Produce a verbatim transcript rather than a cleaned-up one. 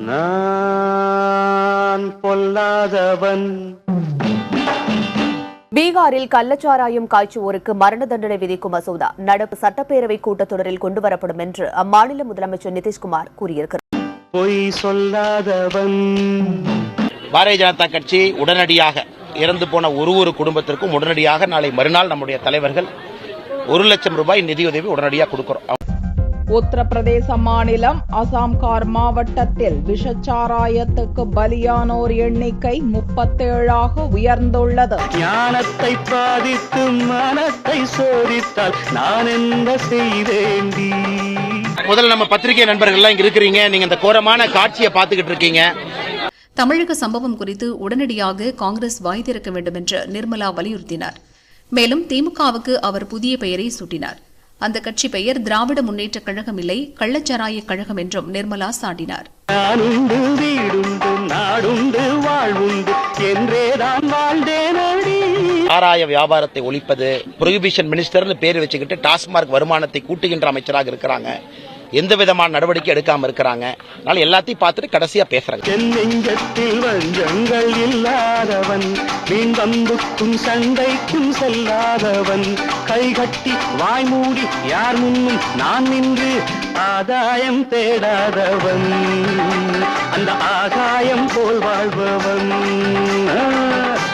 நான் பொல்லாதவன். பீகாரில் கள்ளச்சாராயம் காய்ச்சுவோருக்கு மரண தண்டனை விதிக்கும் மசோதா நடப்பு சட்டப்பேரவை கூட்டத்தொடரில் கொண்டுவரப்படும் என்று அம்மாநில முதலமைச்சர் நிதிஷ்குமார் கூறியிருக்கிறார். பொய் சொல்லாதவன். பாரதிய ஜனதா கட்சி உடனடியாக இறந்து போன ஒரு ஒரு குடும்பத்திற்கும் உடனடியாக நாளை மறுநாள் நம்முடைய தலைவர்கள் ஒரு லட்சம் ரூபாய் நிதியுதவி உடனடியாக கொடுக்கிறோம். உத்தரப்பிரதேச மாநிலம் அசாம்கார் மாவட்டத்தில் விஷச்சாராயத்துக்கு பலியானோர் எண்ணிக்கை முப்பத்தேழாக உயர்ந்துள்ளது. ஞானத்தை பாதித்து மனத்தை சோதித்தால் நான் என்ன செய்தேண்டி. முதல்ல நம்ம பத்திரிகை நண்பர்கள் எல்லாம் இங்க இருக்கிறீங்க, நீங்க இந்த கோரமான காட்சியை பார்த்துக்கிட்டு இருக்கீங்க. தமிழக சம்பவம் குறித்து உடனடியாக காங்கிரஸ் வாய் திறக்க வேண்டும் என்று நிர்மலா வலியுறுத்தினார். மேலும் திமுகவுக்கு அவர் புதிய பெயரை சூட்டினார். அந்த கட்சி பெயர் திராவிட முன்னேற்ற கழகம் இல்லை, கள்ளச்சாராய கழகம் என்றும் நிர்மலா சாட்டினார். சாராய வியாபாரத்தை ஒழிப்பது, புரோஹிபிஷன் மினிஸ்டர்னு பேர் வச்சுக்கிட்டு டாஸ்மார்க் வருமானத்தை கூட்டுகின்ற அமைச்சராக இருக்கிறாங்க. எந்த விதமான நடவடிக்கை எடுக்காம இருக்கிறாங்க. அதனால எல்லாத்தையும் பார்த்துட்டு கடைசியா பேசுறாங்க. நெஞ்சத்தில் வஞ்சங்கள் இல்லாதவன், வீண்பம்புக்கும் சண்டைக்கும் செல்லாதவன், கைகட்டி வாய் மூடி யார் முன்னும் நான் நின்று ஆதாயம் தேடாதவன், அந்த ஆகாயம் போல் வாழ்பவன்.